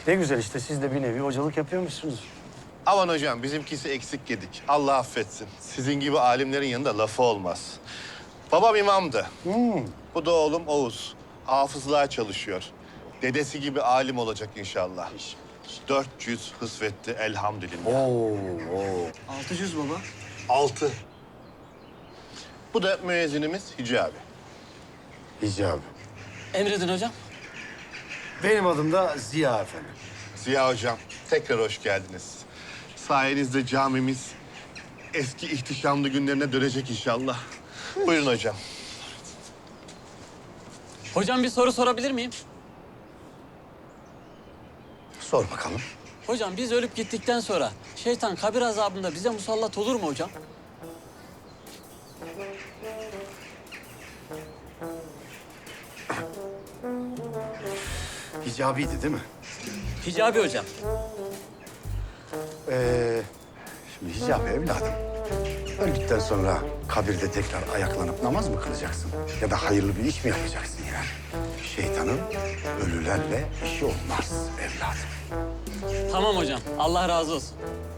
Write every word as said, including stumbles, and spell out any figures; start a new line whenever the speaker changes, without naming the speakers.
Ne güzel işte siz de bir nevi hocalık yapıyormuşsunuz.
Aman hocam bizimkisi eksik yedik. Allah affetsin. Sizin gibi alimlerin yanında lafı olmaz. Babam imamdı.
Hmm.
Bu da oğlum Oğuz. Hafızlığa çalışıyor. Dedesi gibi alim olacak inşallah. dört yüz hısvetti elhamdülillah.
Oo, oo.
Altı yüz baba.
Altı. Bu da müezzinimiz Hicabi.
İcabı.
Emredin hocam.
Benim adım da Ziya efendim.
Ziya hocam tekrar hoş geldiniz. Sayenizde camimiz eski ihtişamlı günlerine dönecek inşallah. Buyurun hocam.
Hocam bir soru sorabilir miyim?
Sor bakalım.
Hocam biz ölüp gittikten sonra şeytan kabir azabında bize musallat olur mu hocam?
Hicabiydi değil mi?
Hicabi hocam.
Ee, şimdi Hicabi evladım. Öldükten sonra kabirde tekrar ayaklanıp namaz mı kılacaksın? Ya da hayırlı bir iş mi yapacaksın yani? Şeytanın ölülerle işi olmaz evladım.
Tamam hocam. Allah razı olsun.